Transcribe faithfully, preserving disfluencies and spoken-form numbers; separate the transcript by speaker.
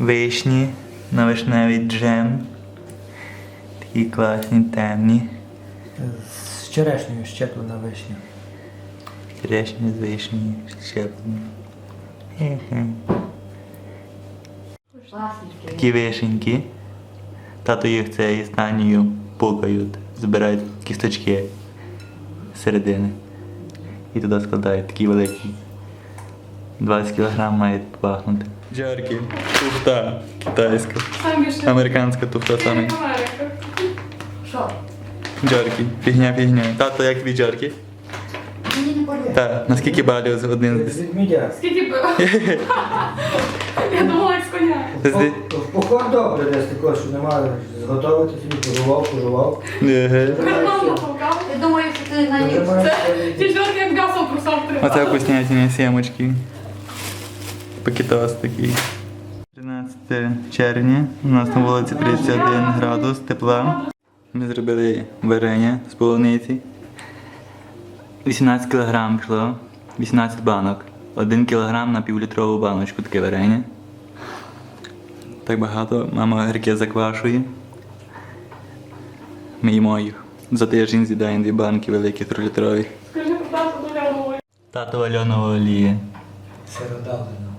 Speaker 1: вишні на вишневий джем. Такі класні, темні.
Speaker 2: З черешнею щеплена вишня.
Speaker 1: Черешні з вишні, щеплені. Хе-хе. Такі вишеньки. Тато їх цією станією пукають, збирають кісточки з середини. І туди складають такі великі. двадцять кілограм має пахнути. Джарки, туфта китайська. Американська туфта саме.
Speaker 3: Що?
Speaker 1: Джарки, фігня, фігня. Тато, як тобі джарки?
Speaker 3: Мені не болить.
Speaker 1: Так, наскільки балів з один з
Speaker 2: Відмідя.
Speaker 4: Скільки було? Я думала, як з коня.
Speaker 1: десяти?
Speaker 2: В поход добре десь такого, що немає зготовити собі, пожував, пожував.
Speaker 1: Еге.
Speaker 4: Карман натолкав.
Speaker 3: Я думаю, що ти наївся.
Speaker 4: Це ті жорки, як м'ясо в трусах
Speaker 1: Оце
Speaker 4: тримали.
Speaker 1: вкуснятині сімочки. Пакетос такий. тринадцяте червня. У нас на вулиці тридцять один градус тепла. Ми зробили варення з полуниці. вісімнадцять кілограм пішло. вісімнадцять банок. один кілограм на півлітрову баночку таке варення. Так багато. Мама гірке заквашує. Ми їмо їх. За тиждень з'їдаємо дві банки великі трилітрові.
Speaker 4: Скажи, про тату доля головою.
Speaker 1: Тато Альонова олія.
Speaker 2: Сиродавлено.